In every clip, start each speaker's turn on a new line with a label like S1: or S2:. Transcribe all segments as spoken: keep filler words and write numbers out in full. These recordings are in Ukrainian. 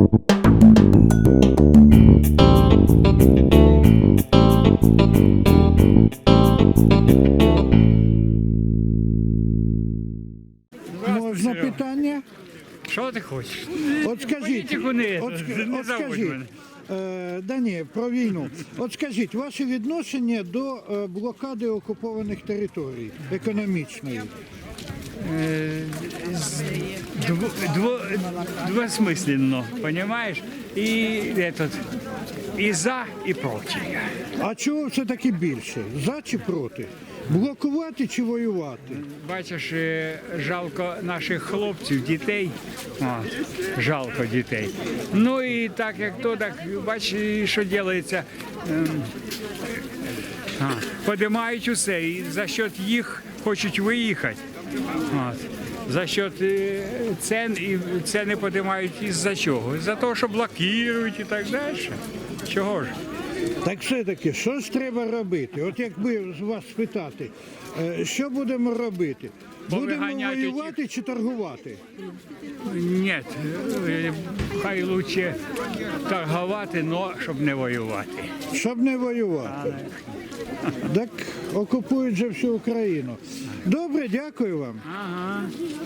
S1: Можна питання?
S2: Що ти хочеш?
S1: От скажіть,
S2: Політику не,
S1: от, ск-
S2: не
S1: от
S2: заводь
S1: скажіть,
S2: мене.
S1: е, да ні, про війну. От скажіть, ваше відношення до е, блокади окупованих територій, економічної?
S2: Е, з- дво, дво, двосмисленно, понимаешь? І, этот, і за, і проти.
S1: А чого все-таки більше? За чи проти? Блокувати чи воювати?
S2: Бачиш, е, жалко наших хлопців, дітей. От, жалко дітей. Ну і так як то, так бачиш, і що робиться. Ем, а, подимають усе, і за счет їх хочуть виїхати. От. За счет е, цен, і ціни піднімають із-за чого? За того, що блокують і так далі. Чого ж?
S1: Так все-таки, що ж треба робити? От якби з вас спитати, е, що будемо робити? Будемо
S2: Повиганяти
S1: воювати чи торгувати?
S2: Ні, е, хай краще торгувати, але щоб не воювати.
S1: Щоб не воювати. Так окупують же всю Україну. Добре, дякую вам.
S2: Ага.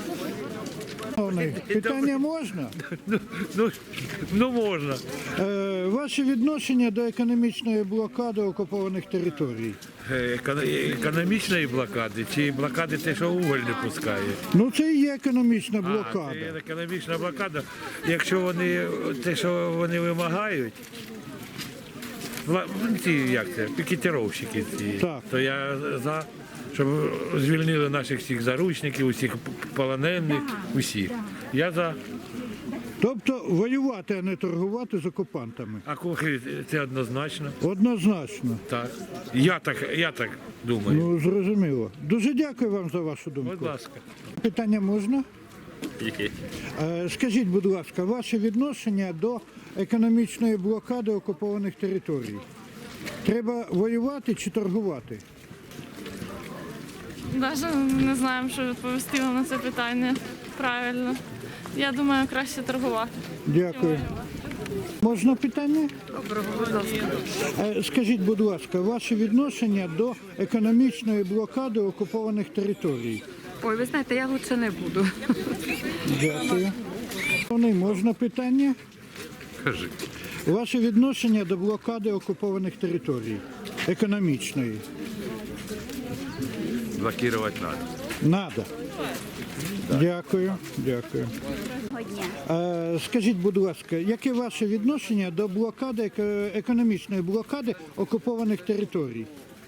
S1: Питання можна?
S3: Ну, ну, ну можна.
S1: Е, ваше відношення до економічної блокади окупованих територій?
S3: Е, еко- Економічної блокади чи блокади те, що уголь не пускає?
S1: Ну це і є економічна
S3: А,
S1: блокада.
S3: це економічна блокада. Якщо вони те, що вони вимагають, вла- ну, ці як це, пікетировщики ці,
S1: Так.
S3: то я за, щоб звільнили наших всіх заручників, усіх полонених, усіх. Я за.
S1: Тобто воювати, а не торгувати з окупантами.
S3: А кухи це однозначно.
S1: Однозначно.
S3: Так. Я так, я так думаю.
S1: Ну, зрозуміло. Дуже дякую вам за вашу думку.
S3: Будь ласка.
S1: Питання можна?
S4: Які?
S1: Е, Скажіть, будь ласка, ваше відношення до економічної блокади окупованих територій? Треба воювати чи торгувати?
S5: Навіть не знаємо, що відповісти вам на це питання правильно. Я думаю, краще торгувати.
S1: Дякую. Можна питання? Е, Скажіть, будь ласка, ваше відношення до економічної блокади окупованих територій?
S6: Ой, ви знаєте, я лучше не буду.
S1: Дякую. Вони можна питання?
S4: Кажи.
S1: Ваше відношення до блокади окупованих територій, економічної?
S4: Блокувати треба.
S1: Надо. Дякую, дякую. Е, Скажіть, будь ласка, яке ваше відношення до блокади, еко- економічної блокади окупованих територій?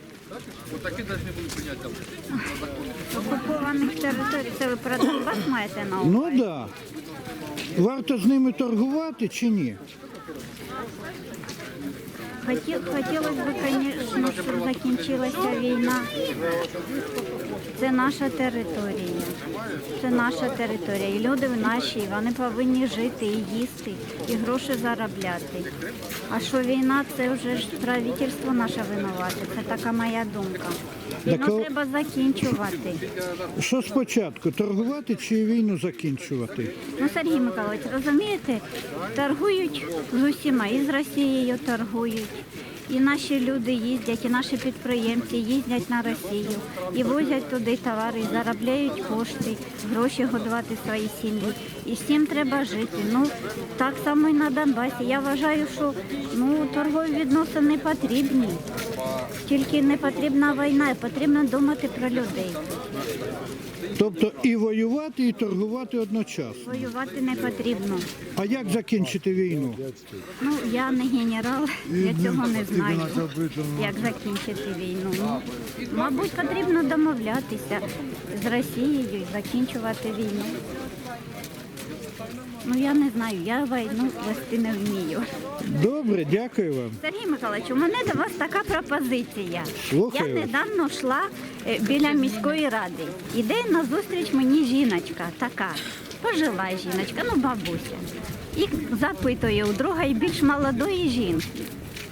S7: Окупованих територій, це ви про Донбас маєте на увазі?
S1: Ну так. Да. Варто з ними торгувати чи ні?
S7: Хоті- Хотілося б, звісно, щоб закінчилася війна. Це наша територія. Це наша територія. І люди в нашій, вони повинні жити і їсти, і гроші заробляти. А що війна, це вже ж правительство наше винувате. Це така моя думка.
S1: Так,
S7: Війну
S1: а-
S7: треба закінчувати.
S1: Що спочатку, торгувати чи війну закінчувати?
S7: Ну, Сергій Миколаївич, розумієте, торгують з усіма, і з Росією торгують. І наші люди їздять, і наші підприємці їздять на Росію, і возять туди товари, і заробляють кошти, гроші годувати свої сім'ї. І всім треба жити. Ну, так само і на Донбасі. Я вважаю, що ну, торгові відносини потрібні. Тільки не потрібна війна, потрібно думати про людей.
S1: Тобто і воювати, і торгувати одночасно.
S7: Воювати не потрібно.
S1: А як закінчити війну?
S7: Ну, я не генерал, я цього не знаю, як закінчити війну. Ну, мабуть, потрібно домовлятися з Росією і закінчувати війну. Ну, я не знаю, я війну вести не вмію.
S1: Добре, дякую вам.
S7: Сергій Михайлович, у мене до вас така пропозиція.
S1: Слухаю.
S7: Я недавно йшла е, біля міської ради. Іде назустріч мені жіночка така, пожила жіночка, ну бабуся. І запитує у другої більш молодої жінки.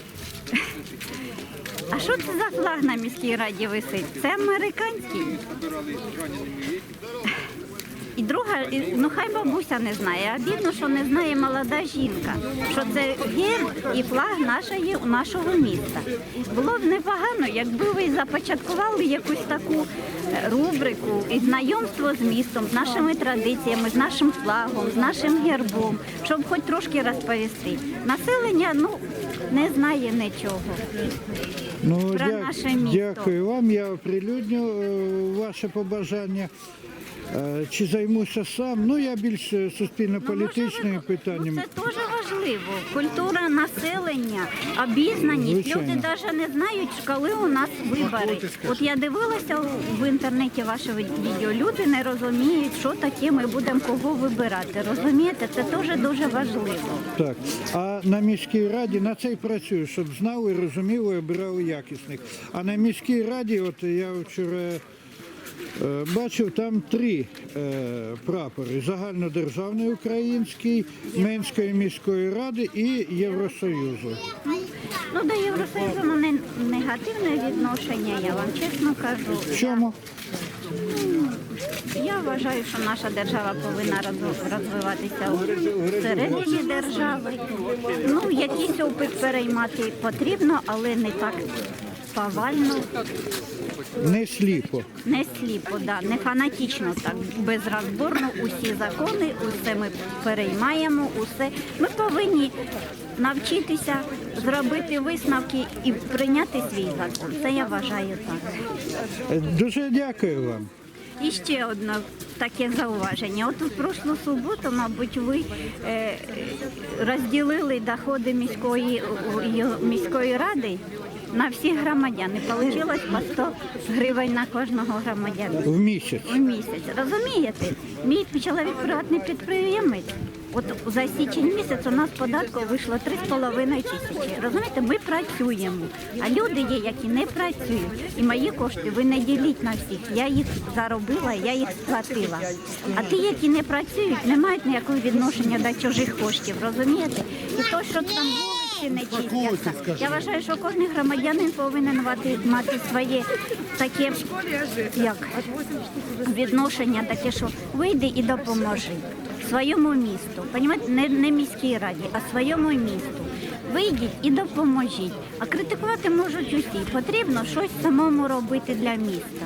S7: А що це за флаг на міській раді висить? Це американський. І друга, і- ну хай бабуся не знає, а бідно, що не знає молода жінка, що це герб і флаг нашої, нашого міста. Було б непогано, якби ви започаткували якусь таку е, рубрику і знайомство з містом, з нашими традиціями, з нашим флагом, з нашим гербом, щоб хоч трошки розповісти. Населення ну, не знає нічого.
S1: Ну,
S7: Про
S1: дя-
S7: наше місто.
S1: Дякую вам. Я оприлюдню е, ваше побажання. Е, Чи займуся сам? Ну, я більш е, суспільно-політичними питаннями.
S7: Ну, це дуже важливо. Культура населення, обізнаність.
S1: Звичайно.
S7: Люди навіть не знають, коли у нас вибори. От я дивилася в інтернеті ваше відео. Люди не розуміють, що таке ми будемо кого вибирати. Розумієте, це теж дуже важливо.
S1: Так. А на міській раді на це й працюю, щоб знали, розуміли, обирали якісних. А на міській раді, от я вчора е, бачив, там три е, прапори: загальнодержавний український, Менської міської ради і Євросоюзу.
S7: Ну, до Євросоюзу у мене негативне відношення, я вам чесно кажу.
S1: В чому?
S7: Я вважаю, що наша держава повинна роз- розвиватися всередині держави. Ну, якийсь опит переймати потрібно, але не так повально,
S1: Не сліпо.
S7: не сліпо, да, не фанатично так, безрозборно усі закони, усе ми переймаємо, усе. Ми повинні навчитися зробити висновки і прийняти свій закон. Це я вважаю так.
S1: Е, Дуже дякую вам.
S7: І ще одне таке зауваження. От у прошлу суботу, мабуть, ви е, розділили доходи міської, міської ради на всіх громадян. І вийшло по сто гривень на кожного громадянина
S1: В місяць.
S7: в місяць. Розумієте? Мій чоловік приватний підприємець. От за січень місяць у нас податку вийшло три з половиною тисячі. Розумієте, ми працюємо, а люди є, які не працюють. І мої кошти ви не діліть на всіх. Я їх заробила, я їх сплатила. А ті, які не працюють, не мають ніякого відношення до чужих коштів. Розумієте? І то, що там вулиці не чистяться. Я вважаю, що кожен громадянин повинен мати, мати своє таке як відношення, таке, що вийди і допоможи своєму місту. Понімаєте, не, не міській раді, а своєму місту. Вийдіть і допоможіть. А критикувати можуть усі. Потрібно щось самому робити для міста.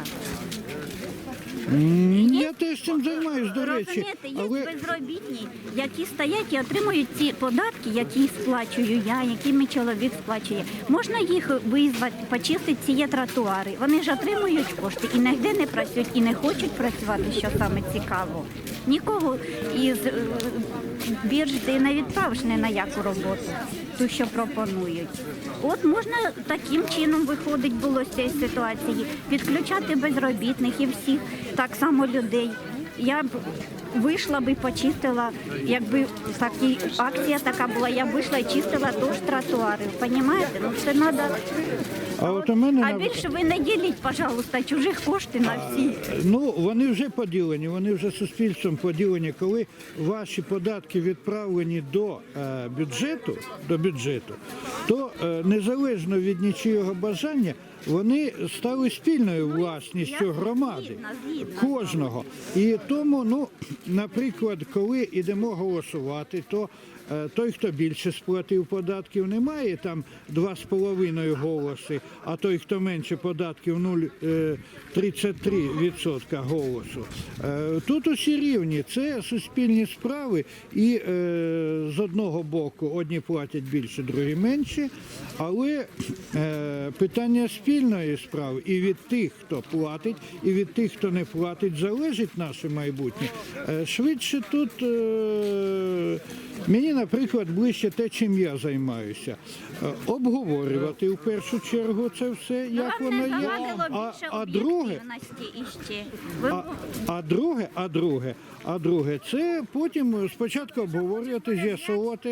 S1: М, Я теж цим займаюсь, до речі.
S7: Розумієте, є
S1: Але
S7: безробітні, які стоять і отримують ці податки, які сплачую я, які мій чоловік сплачує. Можна їх визвати, почистити ці тротуари. Вони ж отримують кошти і ніде не працюють, і не хочуть працювати, що саме цікаво. Нікого із е, бірж ти не відправиш ні на яку роботу, ту, що пропонують. От можна таким чином виходить було з цієї ситуації, підключати безробітних і всіх, так само людей. Я б вийшла б і почистила, якби такі, акція така була, я б вийшла і чистила теж тротуари. Понімаєте? Ну це треба.
S1: А от у мене
S7: А
S1: на-
S7: більше ви не діліть, пожалуйста, чужих коштів на всі.
S1: Ну, вони вже поділені, вони вже суспільством поділені. Коли ваші податки відправлені до е, бюджету, до бюджету, то е, незалежно від нічого бажання, вони стали спільною власністю
S7: Я
S1: громади,
S7: згідна, згідна.
S1: кожного. І тому, ну, наприклад, коли йдемо голосувати, то е, той, хто більше сплатив податків, не має там два з половиною голоси, а той, хто менше податків, нуль цілих тридцять три відсотка голосу. Е, Тут усі рівні, це суспільні справи, і е, з одного боку одні платять більше, другі менше, але е, питання спільної справи і від тих, хто платить, і від тих, хто не платить, залежить наше майбутнє. Е, Швидше тут е, мені, наприклад, ближче те, чим я займаюся. Е, Обговорювати в першу чергу це все, як
S7: Вам
S1: воно
S7: не
S1: є.
S7: завадило
S1: А,
S7: більше
S1: а друге,
S7: об'єктивності іще. Ви
S1: а, а друге, а друге, а друге, це потім спочатку обговорювати, з'ясовувати,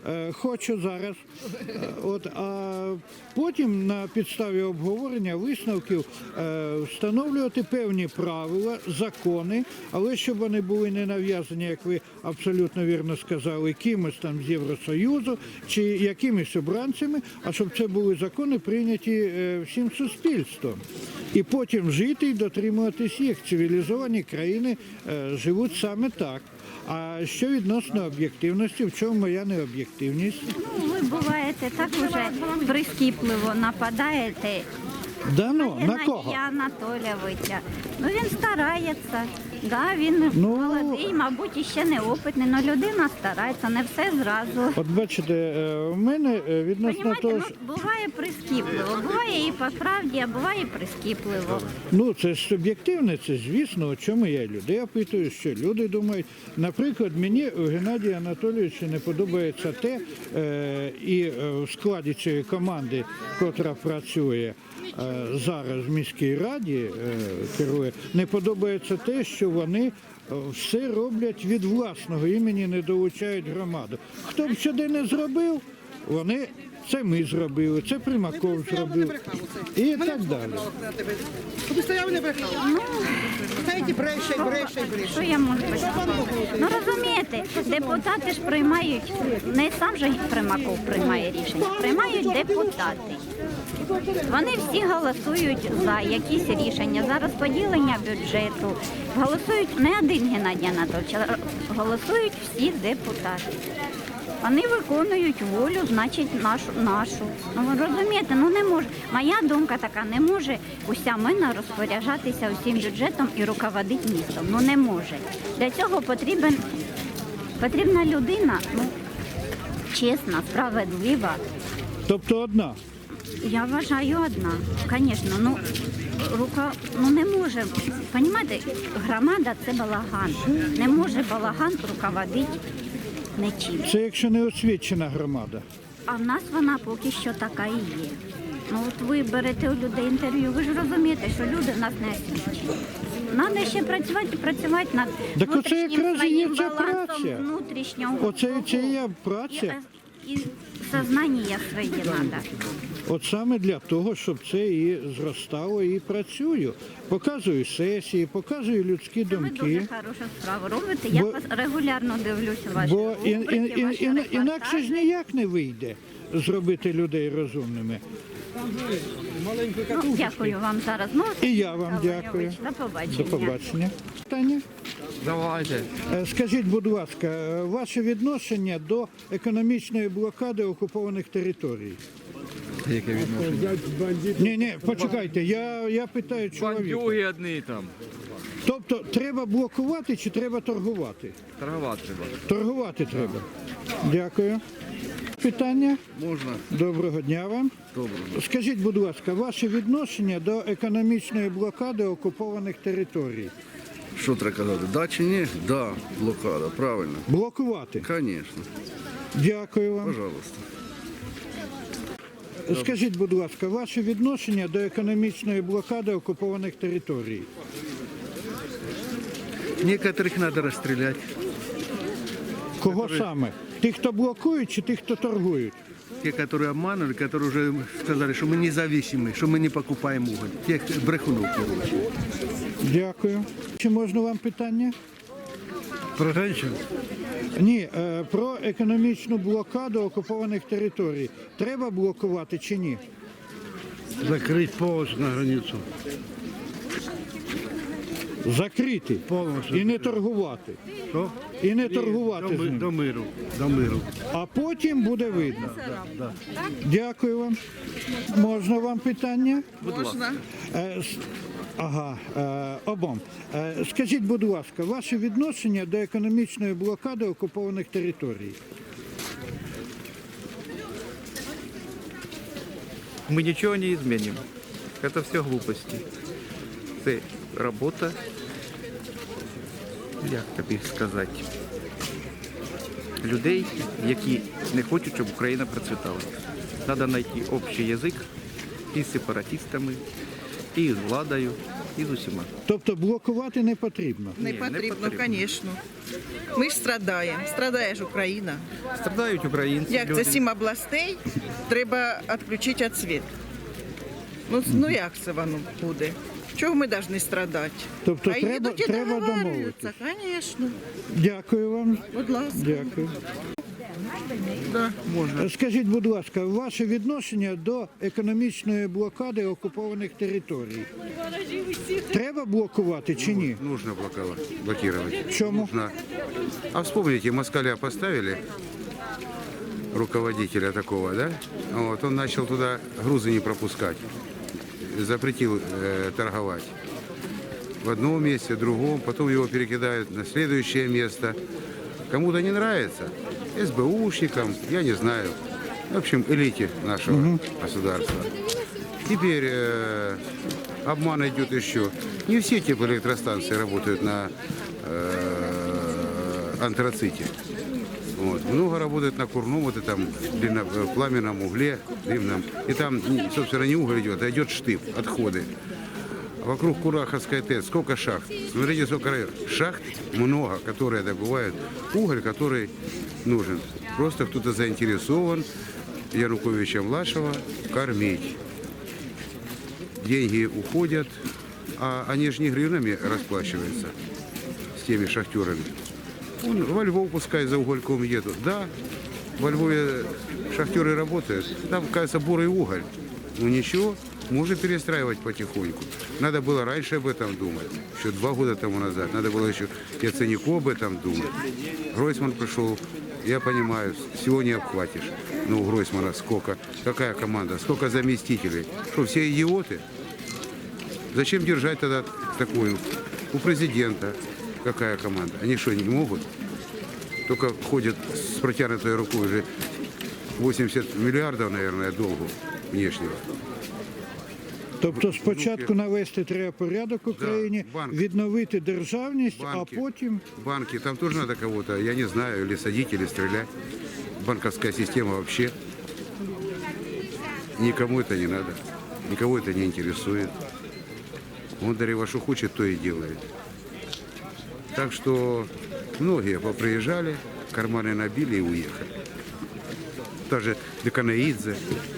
S1: е, хочу зараз. Е, От, а потім на підставі обговорення висновків е, встановлювати певні правила, закони, але щоб вони були не нав'язані, як ви абсолютно вірно сказали, кимось там з Євросоюзу чи якимись обранцями, а щоб це були закони прийняті е, всім суспільством. І потім жити і дотримуватись їх. Цивілізовані країни е, живуть саме так. А що відносно об'єктивності, в чому моя необ'єктивність?
S7: Ну, ви буваєте так уже прискіпливо нападаєте
S1: Да ну, на кого?
S7: Геннадія Анатолійовича. Ну він старається. Да, він
S1: Ну,
S7: молодий, мабуть, і ще неопитний, але людина старається, не все зразу.
S1: От бачите, е, у мене е, відносно
S7: Понімаєте,
S1: того,
S7: ну,
S1: що...
S7: буває прискіпливо, буває і по правді, а буває і прискіпливо.
S1: Ну, це ж суб'єктивне, це звісно, у чому я людей опитую, що люди думають. Наприклад, мені у Геннадія Анатолійовича не подобається те, е, і е, в складі цієї команди, котра працює е, зараз в міській раді, е, керує, не подобається те, що вони е, все роблять від власного імені, не долучають громаду. Хто б сюди не зробив, вони... Це ми зробили, це Примаков зробив і так далі.
S8: Куди стояв, не брехав. Знаєте, бреше, бреше, бреше.
S7: Що я можу сказати? Ну розумієте, депутати ж приймають, не сам же Примаков приймає рішення, приймають депутати. Вони всі голосують за якісь рішення, за розподілення бюджету. Голосують не один Геннадій Анатолійович, а голосують всі депутати. Вони виконують волю, значить, нашу. нашу. Ну, ви розумієте, ну не може. Моя думка така, не може уся мина розпоряджатися усім бюджетом і руководити містом. Ну не може. Для цього потрібен, потрібна людина, ну, чесна, справедлива.
S1: Тобто одна.
S7: Я вважаю одна. Звісно, ну, рука, ну не може. Понімаєте, громада – це балаган. Не може балаган руководити нічим.
S1: Це якщо не освічена громада.
S7: А в нас вона поки що така і є. Ну от ви берете у людей інтерв'ю, ви ж розумієте, що люди в нас не освічені. Треба ще працювати і працювати над
S1: Так оце
S7: внутрішнім
S1: якраз і є
S7: своїм
S1: ця
S7: балансом
S1: праця.
S7: внутрішнього.
S1: Оце і це є
S7: І,
S1: праця.
S7: і сознання своє треба.
S1: От саме для того, щоб це і зростало, і працюю. Показую сесії, показую людські
S7: Ви дуже
S1: думки.
S7: хорошу справу робите. Я
S1: Бо-
S7: вас регулярно дивлюся ваші
S1: Бо і, і,
S7: рубрики,
S1: і,
S7: ваші
S1: і, інакше ж
S7: репортажі.
S1: ніяк не вийде зробити людей розумними.
S7: Ну, дякую вам зараз. Ну,
S1: І я вам
S7: Олег
S1: дякую.
S7: Ігорович, До побачення.
S1: До побачення. Таня?
S9: Давайте.
S1: Е, Скажіть, будь ласка, е, ваше відношення до економічної блокади окупованих територій?
S9: Яке відношення?
S1: Ні, ні, почекайте, я, я питаю чоловіка.
S9: Бандюги одні там.
S1: Тобто треба блокувати чи треба торгувати?
S9: Торгувати треба.
S1: Торгувати треба. Дякую. Питання?
S9: Можна.
S1: Доброго дня вам.
S9: Доброго.
S1: Скажіть, будь ласка, ваше відношення до економічної блокади окупованих територій?
S10: Що треба казати? Да чи ні? Да, блокада, правильно.
S1: Блокувати?
S10: Звісно.
S1: Дякую вам.
S10: Пожалуйста.
S1: Скажіть, будь ласка, ваше відношення до економічної блокади окупованих територій?
S10: Некоторых надо расстрелять.
S1: Кого саме? Тих, хто блокують, чи тих, хто торгують?
S10: Те, которые обманывали, которые уже сказали, что мы независимы, что мы не покупаем уголь. Тех брехунов, короче.
S1: Дякую. Чи можна вам питання?
S3: Про женщин?
S1: Ні, е, про економічну блокаду окупованих територій. Треба блокувати чи ні?
S3: Закрыть полностью на границу.
S1: Закрити
S3: Повністю.
S1: і не торгувати.
S3: Що?
S1: І не торгувати
S3: До,
S1: з
S3: ми-
S1: ним.
S3: до миру. До миру.
S1: А потім буде видно. Дякую вам. Можна вам питання?
S8: Можна.
S1: Е, с- Ага, е, обом. Е, Скажіть, будь ласка, ваше відношення до економічної блокади окупованих територій?
S4: Мы ничего не изменим. Это все глупости. Це робота, як тобі сказати, людей, які не хочуть, щоб Україна процвітала. Треба знайти общий язик і з сепаратистами, і з владою, І з усіма.
S1: Тобто блокувати не потрібно.
S8: Не
S4: не
S8: потрібно,
S4: потрібно.
S8: звісно. Ми ж страдаємо. Страдає ж Україна.
S4: Страдають українці.
S8: Як
S4: люди.
S8: це сім областей, треба відключити від світу. Ну, ну як це воно буде? Чого ми повинні страдати?
S1: Тобто
S8: а
S1: треба-
S8: їдуть і
S1: треба
S8: договарюються, звісно.
S1: Дякую вам.
S8: Будь ласка.
S1: Дякую.
S10: Да, можна.
S1: Скажіть, будь ласка, ваше відношення до економічної блокади окупованих територій? Треба блокувати чи ні?
S11: Нужно блоковать, блокировать.
S1: Чому?
S11: Нужно. А вспомните, москаля поставили, руководителя такого, да? Вот, он начал туда грузы не пропускать, запретил э, торговать. В одном месте, в другом, потом его перекидают на следующее место. Кому-то не нравится, СБУшникам, я не знаю, в общем, элите нашего государства. Теперь э, обман идет еще. Не все теплоэлектростанции работают на э, антраците. Вот. Много работает на курном, вот этом длинно- э, пламенном угле, длинном. И там, м, собственно, не уголь идет, а идет штып, отходы. Вокруг Кураховской ТЭЦ сколько шахт? Смотрите, сколько шахт много, которые добывают уголь, который нужен. Просто кто-то заинтересован Януковича-младшего кормить. Деньги уходят, а они же не гривнами расплачиваются с теми шахтерами. Он во Львов пускай за угольком едут. Да, во Львове шахтеры работают. Там, кажется, бурый уголь. Ну ничего, можно перестраивать потихоньку. Надо было раньше об этом думать, еще два года тому назад. Надо было еще и Яценюку об этом думать. Гройсман пришел, я понимаю, всего не обхватишь. Ну, у Гройсмана сколько, какая команда, сколько заместителей. Что, все идиоты? Зачем держать тогда такую? У президента какая команда? Они что, не могут? Только ходят с протянутой рукой уже восемьдесят миллиардов, наверное, долгу внешнего.
S1: Тобто спочатку навести треба порядок в Україні,
S11: банк.
S1: відновити державність, а
S11: Банки.
S1: потім...
S11: Банки, там тоже надо кого-то, я не знаю, или садить, или стрелять. Банковская система вообще. Никому это не надо. Никого это не интересует. Он Дарева что хочет, то и делает. Так что многие поприезжали, карманы набили и уехали. Даже Деканаидзе.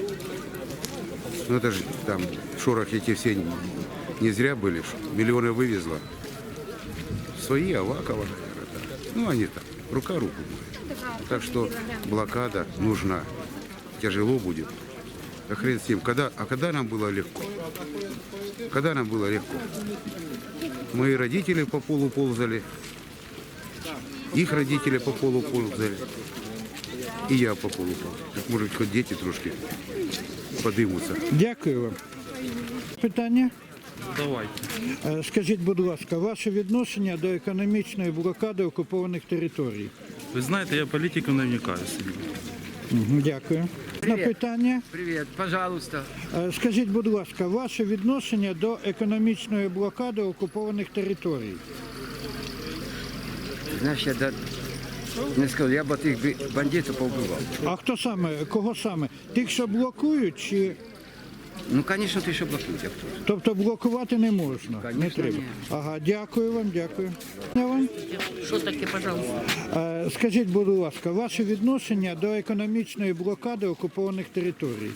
S11: Ну это же там шорохи эти все не зря были, что миллионы вывезла. Свои, Авакова, наверное, да. Ну они там, рука руку моет. Так что блокада нужна. Тяжело будет. Да хрен с ним. Когда, а когда нам было легко? Когда нам было легко? Мои родители по полу ползали. Их родители по полу ползали. И я по полу ползал. Так может хоть дети трошки подымутся.
S1: Дякую вам. Питання?
S9: Давайте.
S1: Е, Скажіть, будь ласка, ваше відношення до економічної блокади окупованих територій?
S9: Ви знаєте, я політику не вникаю собі.
S1: Мгм, Дякую. На питання?
S2: Привіт, пожалуйста.
S1: Е, Скажіть, будь ласка, ваше відношення до економічної блокади окупованих територій?
S2: Знаєш, я да... не скажу, я б тих бандитів повбивав.
S1: А хто саме, кого саме? Тих, що блокують, чи...
S2: Ну, звісно, ти що блокують, а хто?
S1: Тобто блокувати не можна? Не
S2: Конечно,
S1: треба.
S2: ні.
S1: Ага, дякую вам, дякую. Я вам.
S5: Що таке, пожалуйста?
S1: Е, Скажіть, будь ласка, ваше відношення до економічної блокади окупованих територій?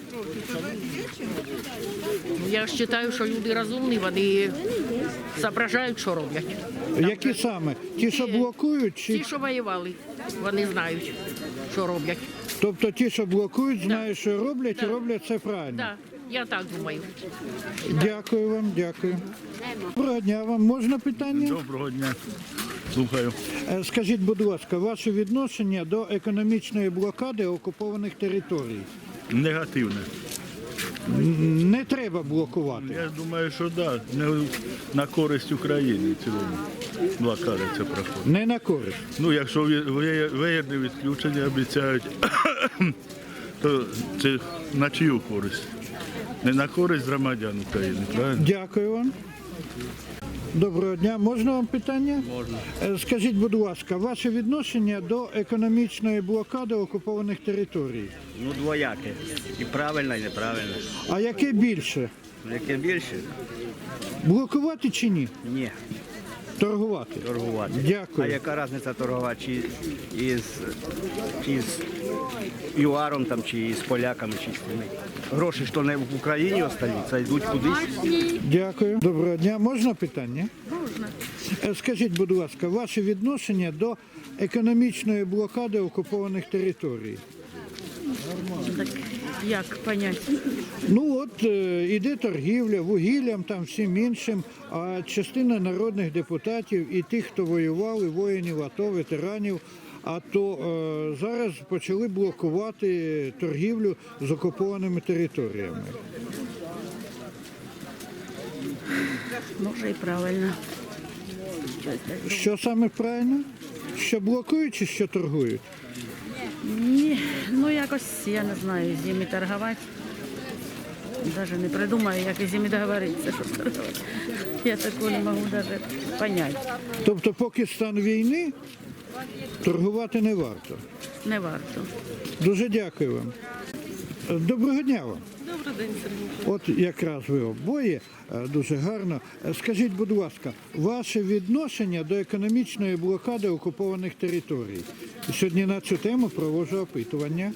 S5: Я ж вважаю, що люди розумні, вони зображають, що роблять.
S1: Які саме? Ті, що блокують,
S5: Ті,
S1: чи
S5: що воювали, вони знають, що роблять.
S1: тобто ті, що блокують, знають, що роблять, і роблять це правильно?
S5: Так, я так думаю.
S1: Дякую вам, дякую. Доброго дня вам. Можна питання?
S3: Доброго дня. Слухаю.
S1: Е, Скажіть, будь ласка, ваше відношення до економічної блокади окупованих територій?
S3: Негативне.
S1: Н- Не треба блокувати.
S3: Я думаю, що да, не на користь України в цілому блокада це проходить.
S1: Не на користь.
S3: Ну, якщо виєдне відключення обіцяють, то це на чию користь? Не на користь громадян України, правильно?
S1: Дякую вам. Доброго дня. Можна вам питання? Можна. Скажіть, будь ласка, ваше відношення до економічної блокади окупованих територій?
S12: Ну, двояке. І правильно, і неправильно.
S1: А яке більше?
S12: Яке більше?
S1: Блокувати чи ні?
S12: Ні,
S1: Торгувати.
S12: торгувати.
S1: Дякую.
S12: А яка різниця торгувати чи із, чи з юаром там, чи з поляками, чи з ким? Гроші, що не в Україні остаються, йдуть кудись.
S1: Дякую. Доброго дня. Можна питання? Можна. Скажіть, будь ласка, ваше відношення до економічної блокади окупованих територій?
S6: Так як поняття?
S1: Ну от е, іде торгівля вугіллям, там всім іншим, а частина народних депутатів і тих, хто воював, і воїнів АТО, ветеранів, а то е, зараз почали блокувати торгівлю з окупованими територіями.
S6: Може і правильно.
S1: Що саме правильно? Що блокують чи що торгують?
S6: Ні, ну якось я не знаю, з ними торгувати. Навіть не придумаю, як із ними договоритися, щоб торгувати. Я такого не можу навіть поняти.
S1: Тобто, поки стан війни, торгувати не варто.
S6: Не варто.
S1: Дуже дякую вам. Доброго дня вам.
S5: Добрий день, Сергій.
S1: От якраз ви обоє е, дуже гарно. Е, Скажіть, будь ласка, ваше відношення до економічної блокади окупованих територій? Сьогодні на цю тему проводжу опитування.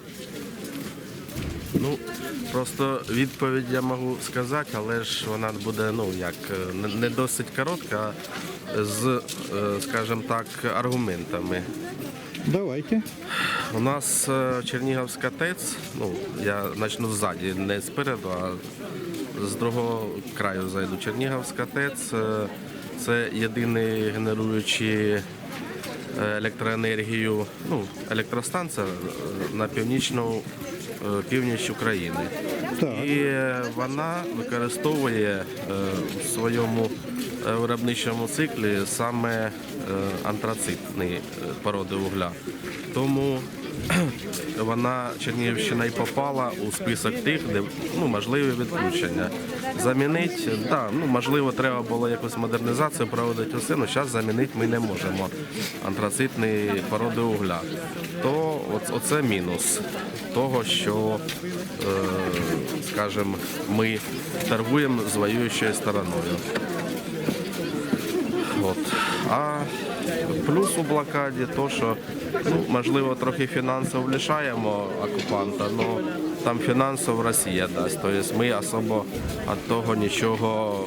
S13: Ну, просто відповідь я можу сказати, але ж вона буде, ну, як, не- не досить коротка, а з, е, скажімо так, аргументами.
S1: Давайте.
S13: У нас е, Чернігівська ТЕЦ, ну, я почну ззаді, не спереду, а з другого краю зайду. Чернігівська ТЕЦ е, – це єдиний генеруючий електроенергію, ну, електростанція на північну е, північ України.
S1: Так.
S13: І е, вона використовує е, в своєму е, виробничому циклі саме е, антрацитні е, породи вугля. Тому вона, Чернігівщина, й попала у список тих, де, ну, можливі відключення. Замінити, да, ну, можливо, треба було якусь модернізацію проводити усе, але зараз замінити ми не можемо антрацитні породи вугля. То оц- оце мінус того, що, е, скажімо, ми торгуємо з воюючою стороною. От. А плюс у блокаді то, що, ну, можливо, трохи фінансово лишаємо окупанта, але там фінансово Росія дасть. Тобто ми особо від того нічого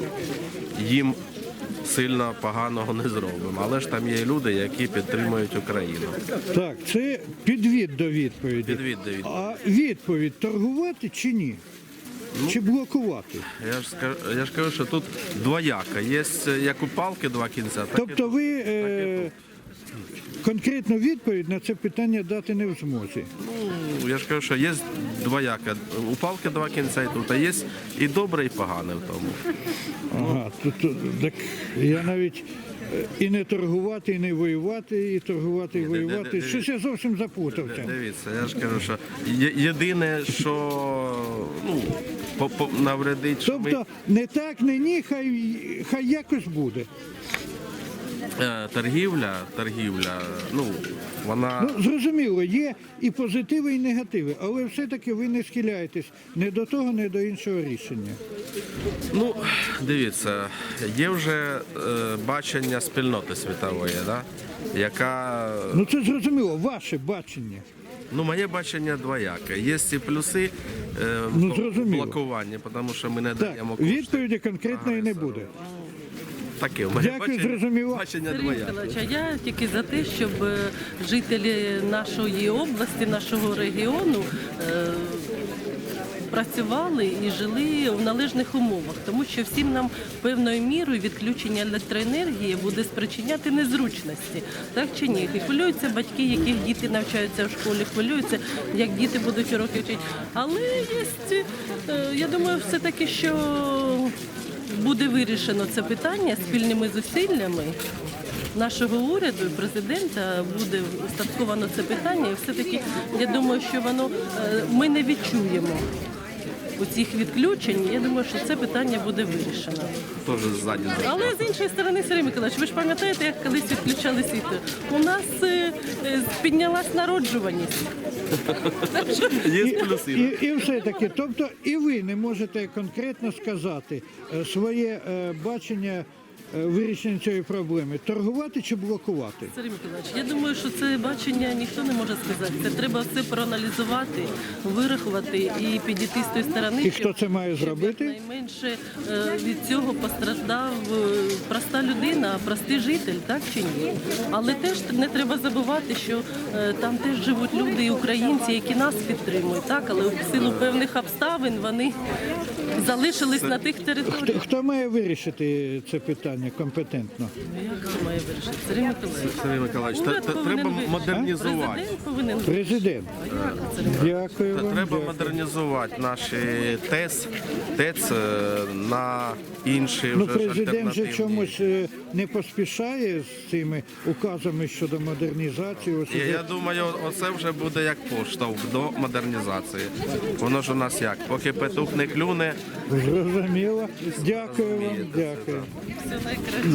S13: їм сильно поганого не зробимо. Але ж там є люди, які підтримують Україну.
S1: Так, це підвід до відповіді.
S13: Підвід до відповіді.
S1: А відповідь торгувати чи ні? Чи блокувати?
S13: Я ж скажу, я ж кажу, що тут двояка. Є як у палки два кінця, так і
S1: Тобто ви е, конкретну відповідь на це питання дати не в змозі.
S13: Ну, я ж кажу, що є двояка. У палки два кінця і тут, а є і добре, і погане в тому.
S1: Ага, тут, тут, так я навіть е, і не торгувати, і не воювати, і торгувати, і
S13: Ні, де- де-
S1: воювати.
S13: де-
S1: Щось я зовсім запутався.
S13: Дивіться, я ж кажу, що є- єдине, що, ну, по- по- навредить, що ми
S1: Тобто не так, не ні, хай, хай якось буде.
S13: е, торгівля, торгівля, ну, вона.
S1: Ну, зрозуміло, є і позитиви, і негативи, але все-таки ви не схиляєтесь ні до того, ні до іншого рішення.
S13: Ну, дивіться, є вже е, бачення спільноти світової, да? Яка.
S1: Ну це зрозуміло, ваше бачення.
S13: Ну, моє бачення двояке. Є ці плюси е, в
S1: Ну, зрозуміло.
S13: блокуванні, тому що ми не
S1: Так,
S13: даємо кошти.
S1: відповіді конкретної не буде.
S13: Таке, в мене
S1: Дякую,
S13: бачення,
S1: зрозуміло.
S13: бачення
S5: Сергій
S13: двояке.
S5: Миколаївич, а я тільки за те, щоб е, жителі нашої області, нашого регіону е, працювали і жили в належних умовах, тому що всім нам певною мірою відключення електроенергії буде спричиняти незручності, так чи ні? І хвилюються батьки, яких діти навчаються в школі, хвилюються, як діти будуть уроки вчити. Але є, е, я думаю, все-таки, що буде вирішено це питання спільними зусиллями нашого уряду і президента, буде устатковано це питання, і все-таки я думаю, що воно е, ми не відчуємо оцих відключень, я думаю, що це питання буде вирішено.
S13: Теж ззаді.
S5: Але з іншої сторони, Сергій Миколаївич, ви ж пам'ятаєте, як колись відключали світло? У нас е, е, піднялась народжуваність.
S13: Є плюси.
S1: І, і все-таки, тобто і ви не можете конкретно сказати е, своє е, бачення е, вирішення цієї проблеми, торгувати чи блокувати?
S5: Сергій Миколаївич, я думаю, що це бачення ніхто не може сказати. Це треба все проаналізувати, вирахувати і підійти з тої сторони.
S1: І хто це має зробити?
S5: Найменше е, від цього постраждав е, проста людина, простий житель, так чи ні? Але теж не треба забувати, що е, там теж живуть люди і українці, які нас підтримують, так? Але в силу певних обставин вони залишились на тих
S1: Хто,
S5: територіях.
S1: хто має вирішити це питання компетентно?
S5: Як це має вирішити? Сергій Миколаївич.
S13: Сергій Миколаївич, те-
S5: Уряд
S13: те-
S5: повинен
S13: треба
S5: вирішити.
S13: модернізувати.
S5: Президент повинен
S1: Президент. Дякую
S13: Та
S1: вам.
S13: Треба
S1: дякую.
S13: модернізувати наші ТЕЦ, ТЕЦ е, на інші
S1: Ну,
S13: вже ж
S1: президент же
S13: альтернативні.
S1: чомусь е, не поспішає з цими указами щодо модернізації. Ось
S13: І
S1: уже
S13: я думаю, оце вже буде як поштовх до модернізації. Воно ж у нас як, поки петух не клюне,
S1: зрозуміло. Дякую вам. Дякую.
S5: все найкраще.